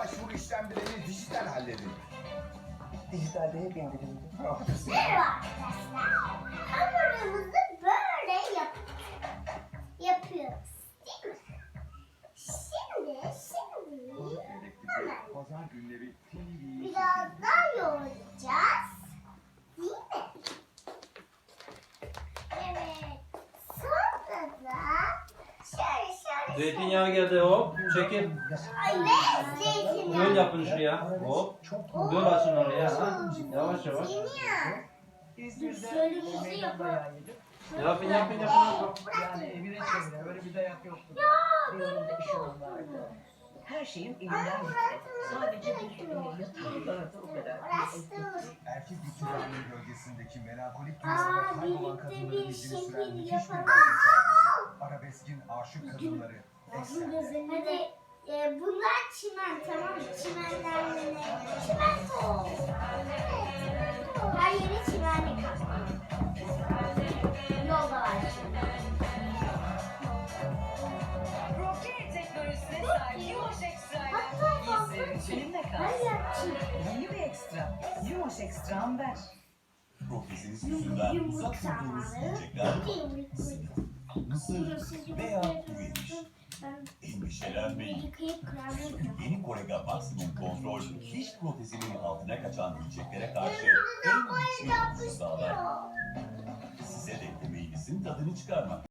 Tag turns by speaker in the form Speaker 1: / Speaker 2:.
Speaker 1: başvuru işlemlerini dijital halledin.
Speaker 2: Dijitalde hep indirimli.
Speaker 1: Ah,
Speaker 3: Merhaba arkadaşlar. Hamurumuzu böyle yapıyoruz. Değil mi? Şimdi hemen
Speaker 1: Pazar günleri
Speaker 3: biraz daha yoğuracağız. Değil mi? Evet. Sonra da şöyle
Speaker 4: Zeytinyağı geldi hop. Çekil.
Speaker 3: ve zeytinyağı.
Speaker 4: Döl yapın şuraya. Hop. Döl açın oraya. Ha. Yavaş yavaş.
Speaker 3: Zeytinyağı.
Speaker 2: İzmir'de
Speaker 3: Şöyle bir şey
Speaker 2: ekmek
Speaker 3: yapalım.
Speaker 2: dayağı yedim.
Speaker 4: Yapın.
Speaker 2: Yani evine çevire böyle bir dayak yoktu. Bir önümde işim vardı. Her şeyim elimden gitti. Sadece bir yatağım vardı o kadar.
Speaker 1: erkek iktidarının gölgesindeki melankolik
Speaker 3: Aa,
Speaker 1: dünyada kaybolan
Speaker 3: birlikte
Speaker 1: kadınların
Speaker 3: bir
Speaker 1: izini süren
Speaker 3: şekil
Speaker 1: müthiş bir
Speaker 3: yapalım.
Speaker 1: belgesel. Arabeskin aşık kadınları. Eksen'de.
Speaker 3: Hadi bunlar çimen, tamam mı? Çimenlerle çimento. Her yeri çimenlik kaplı. Yolda var şimdi.
Speaker 5: Roket teknolojisine sahip Yumoş Ekstra'yla
Speaker 3: Hatta
Speaker 5: benimle kal.
Speaker 3: hayır,
Speaker 5: Yeni bir ekstra. Yumoş Ekstra'm ver.
Speaker 6: Proteziniz yüzünden uzak durduğunuz yiyecekler mısır veya kuru yemiş. Endişelenmeyin. Çünkü yeni Korega Maximum Kontrol diş protezinin altına kaçan yiyeceklere karşı en güçlü kokusu sağlar. Size de yemeğinizin tadını çıkarmak.